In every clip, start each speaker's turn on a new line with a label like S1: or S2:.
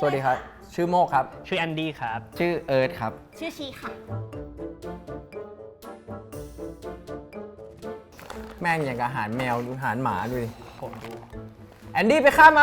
S1: วัสดีครับชื่อโมกครับ
S2: ชื่อแอนดี้ครับ
S3: ชื่อเอิร์ธครับ
S4: ชื่อชีค่ะ
S1: แม่งอย่างกับอาหารแมวดูอาหารหมาดูดิ
S2: ผมดู
S1: แอนดี้ไปข้ามมา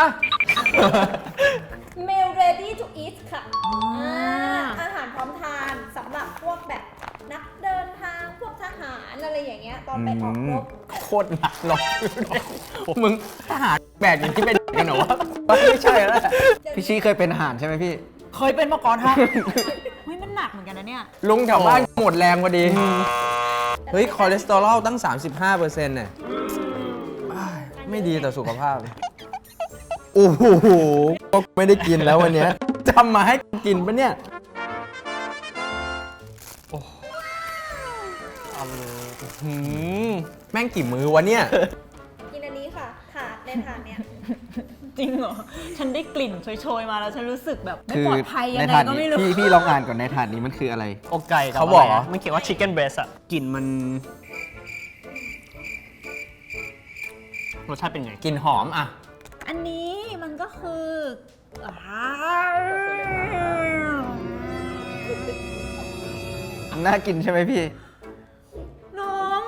S4: Meal ready to eat ค่ะอาหารพร้อมทานสำหรับพวกแบบนักเดินทางพวกทหารอะไรอย่างเงี้ยตอนไปออกรบ
S1: โคตรหนักหรอกมึงทหารแบกอย่างที่เป็นกันเหรอวะไม่ใช่แล้ว
S3: พี่ชี้เคยเป็นทหารใช่ไหมพี่
S4: เคยเป็นมาก่อนฮะเฮ้ยมันหนักเหมือนกันนะเนี่ย
S1: ลุงแถวบ้านหมดแรงพอดีเฮ้ยคอเลสเตอรอลตั้ง 35%เนี่ยไม่ดีต่อสุขภาพโอ้โหก็ไม่ได้กินแล้ววันนี้จำมาให้กินปะเนี่ยแม่งกี่มือวะเนี่ย
S4: กินอันนี้ค่ะถาดในถาดเนี้ย
S5: จริงเหรอ ฉันได้กลิ่นโชยๆมาแล้วฉันรู้สึกแบบไม่
S3: คือ
S5: ปลอดภัยยัง
S3: ใน
S5: ไง
S3: ถาด
S5: ก็
S3: นี้
S5: ไม่รู้
S3: พี่ลองอ่านก่อนในถาดนี้มันคืออะไร
S2: อกไก่กับ
S1: เขาบอกเหรอ
S2: ะไรนะมันเขียนว่า chicken breast อะกลิ่นมันรสชาติเป็นไง
S1: กลิ่นหอมอ่ะ
S5: อันนี้มันก็คือ
S3: น่ากินใช่ไหมพี่
S5: น้อง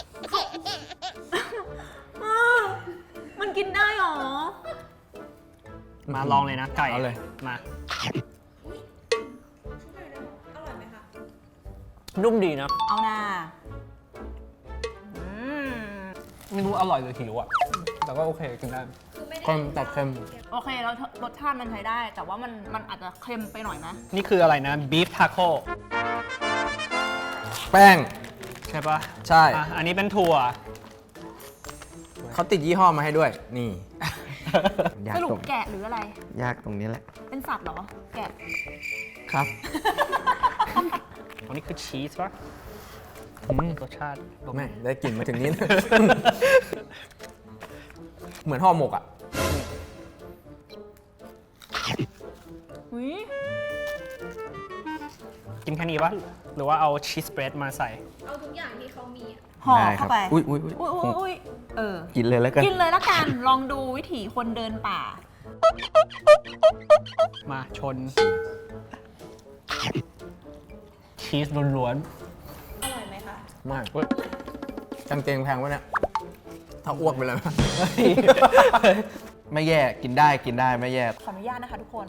S5: มันกินได้หรอ
S2: มาลองเลยนะไก่
S1: เอาเลย
S2: มา
S4: อร่อยไหมคะ
S2: นุ่มดีนะ
S5: เอาหน้า
S2: ไม่รู้อร่อยหรือหิวอะแต่ก็โอเคกินได้
S4: คือไม่ได้
S1: เค็มแต่เค็ม
S5: โอเคแล้วรสชาติมันใช้ได้ แต่ว่ามันอาจจะเค็มไปหน่อยนะ
S2: นี่คืออะไรนะ beef taco
S1: แป้ง
S2: ใช่ปะ
S1: ใช่
S2: อ่ะอันนี้เป็นถั่ว
S1: เขาติดยี่ห้อมาให้ด้วย นี่
S3: ยาก
S5: สรุป
S3: ตรง
S5: แกะหรืออะไร
S3: ยากตรงนี้แหละ
S5: เป็นสัตว์เหรอ แกะ
S3: ครับ
S2: อันนี้คือชีสปะรสชาติ
S1: แม่ได้กลิ่นมาถึงนี้ เหมือนห่อหมกอ่ะ
S5: อุ้ย
S2: กินแค่นี้ปะหรือว่าเอาชีสเบรดมาใส่
S4: เอาทุกอย่างที่เขามีอะ
S5: ห่อ
S3: ได้ครั
S5: เข้าไป
S3: อุ้ยอุ้ย
S5: อุ้ยอุ้ยเออ
S3: กินเลยแล้วกัน
S5: กินเลยละกัน ลองดูวิถีคนเดินป่า
S2: มาชน ชีสล้วน
S4: อร่อยไหมคะ
S1: มากกางเกงแพงวะเนี่ย ถ้าอ้วกไปเลย
S3: ไม่แย่กินได้ไม่แย่
S5: ขออนุญาตนะคะทุกคน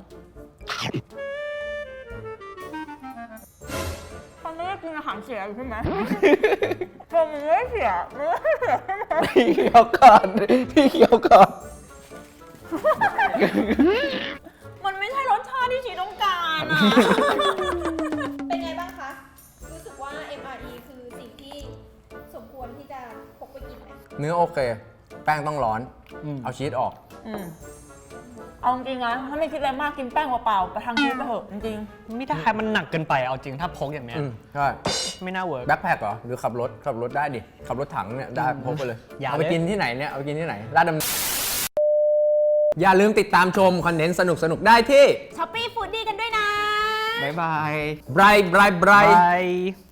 S5: ตอนนี้กินอาหารเสียอยู่ใช่ไหมเธอมันไม่เสียมันไม่เสียใช่ไหม
S3: พี่เคี้ยวก่อนพี่เคี้ยวก่อน
S5: มันไม่ใช่รสชาติที่ชีต้องการอะ
S4: เป็นไงบ้างคะ รู้สึกว่า MRE คือสิ่งที่สมควรที่จะพกไปกินไหม
S1: เนื้อโอเค แป้งต้องร้อน
S2: ๆอืม
S1: เอาชีสออก
S5: เอาจริงๆนะถ้าไม่คิดอะไรมากกินแป้งเปล่าๆประทังชีวิตไปเถอะจริง
S2: ไม่ได้มันหนักเกินไปเอาจริงถ้าพกอย่างเนี้ย
S1: ใช่
S2: ไม่น่าเวิร์ก
S1: แบ็คแพคเหรอ หรือขับรถได้ดิ ขับรถถังเนี่ย ได้พกไปเลย
S2: อย่า
S1: เอาไป
S2: เลย
S1: กินที่ไหนเนี่ย เอาไปกินที่ไหนลาดดำอย่าลืมติดตามชมคอนเทนต์สนุกๆ ได้ที่
S5: ๆช้อปปี้ฟูดดี้กันด้วยนะ
S3: บ๊ายบาย
S1: Bright
S2: ไป